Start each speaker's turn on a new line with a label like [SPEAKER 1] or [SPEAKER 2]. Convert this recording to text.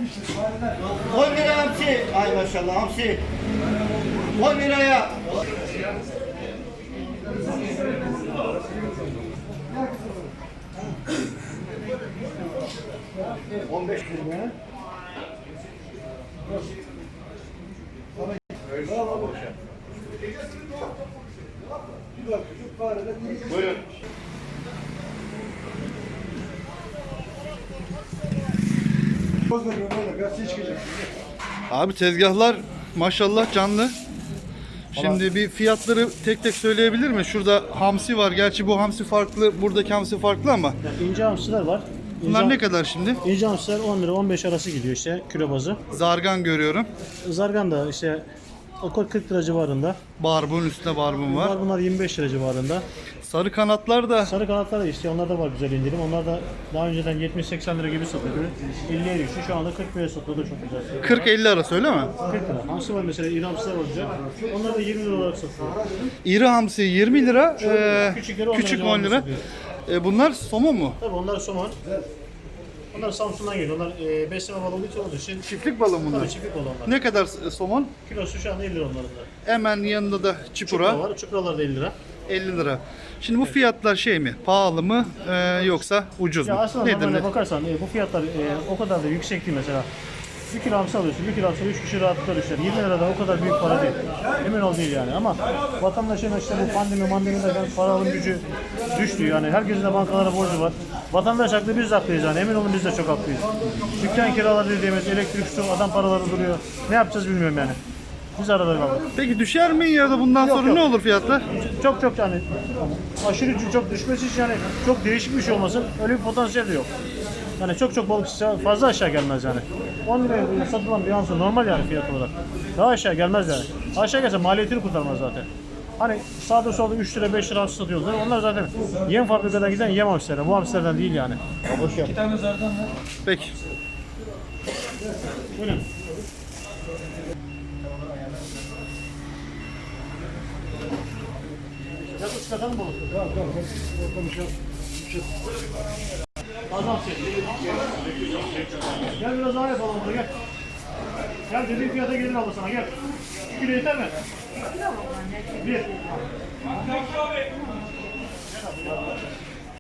[SPEAKER 1] 10 lira hamsi. Ay maşallah hamsi. 10 liraya. $15. Buyurun.
[SPEAKER 2] Abi tezgahlar maşallah canlı. Şimdi bir fiyatları tek tek söyleyebilir mi? Şurada hamsi var. Gerçi bu hamsi farklı, buradaki hamsi farklı ama.
[SPEAKER 3] Yani ince hamsiler var.
[SPEAKER 2] Bunlar ne kadar şimdi?
[SPEAKER 3] İnce hamsiler 10 lira 15 arası gidiyor işte kilo bazı.
[SPEAKER 2] Zargan görüyorum.
[SPEAKER 3] Zargan da işte o 40 lira civarında.
[SPEAKER 2] Barbun üstüne barbun var.
[SPEAKER 3] Bunlar 25 lira civarında.
[SPEAKER 2] Sarı kanatlar da
[SPEAKER 3] Sarı kanatlar da işte onlar da var güzel indirim. Onlar da daha önceden 70-80 lira gibi satıyordu. 50'ye düştü. Şu anda 40 liraya satılıyor çok güzel.
[SPEAKER 2] 40-50 arası öyle mi?
[SPEAKER 3] 40 lira. Hamsi var mesela İran hamsiler var güzel. Onlar da 20 lira olarak satılıyor.
[SPEAKER 2] İri hamsi 20 lira,
[SPEAKER 3] Küçükleri 10
[SPEAKER 2] küçük
[SPEAKER 3] lira
[SPEAKER 2] 10 lira. Bunlar somon mu?
[SPEAKER 3] Tabii onlar somon. Onlar Samsun'dan geliyor. Onlar besleme balığı için olduğu için
[SPEAKER 2] Çiftlik balığı bunlar.
[SPEAKER 3] tabii çiftlik balığı onlar.
[SPEAKER 2] Ne kadar somon?
[SPEAKER 3] Kilosu şu anda 50 lira onların da.
[SPEAKER 2] Hemen yanında da
[SPEAKER 3] Çupra
[SPEAKER 2] çipura
[SPEAKER 3] var. Çupralar da 50 lira.
[SPEAKER 2] 50 lira. Şimdi bu fiyatlar şey mi? Pahalı mı yoksa ucuz
[SPEAKER 3] Ya
[SPEAKER 2] mu?
[SPEAKER 3] aslında
[SPEAKER 2] Nedir
[SPEAKER 3] normalde
[SPEAKER 2] ne?
[SPEAKER 3] bakarsan bu fiyatlar o kadar da yüksek değil mesela. 1 kilo hamsi alıyorsun, 1 kilo hamsi 3 kişi rahatlıkla düşer. 20 lira da o kadar büyük para değil. Emin ol değil yani ama vatandaşın işte bu pandemiden para alım gücü düştü yani. Herkesin de bankalara borcu var. Vatandaş haklı, biz de haklıyız yani. Emin olun biz de çok haklıyız. Dükkan kiraları dediğimiz elektrik, su, adam paraları duruyor. Ne yapacağız bilmiyorum yani. Biz arada kaldık.
[SPEAKER 2] Peki düşer mi ya da bundan sonra
[SPEAKER 3] yok.
[SPEAKER 2] ne olur fiyatlar?
[SPEAKER 3] Çok yani aşırı çok düşmesi için yani çok değişik bir şey olmasın. Öyle bir potansiyel de yok. Yani çok balık fazla aşağı gelmez yani. 10 liraya satılan bir hamsi normal yani fiyat olarak. Daha aşağı gelmez yani. Aşağı gelse maliyetini kurtarmaz zaten. Hani sağda solda 3 lira 5 lira hamsi satıyorlar. Onlar zaten yem fabrikadan giden yem hamsilerden. Bu hamsilerden değil yani. Boş yap.
[SPEAKER 2] Peki.
[SPEAKER 3] Buyurun. Biraz çıkartalım balık. Tamam. Konuşalım. Azamsın. Gel biraz daha yapalım burada gel. Gel dediğin fiyata gelir abla sana gel. 2 kilo yeter mi? 1. Gel abi.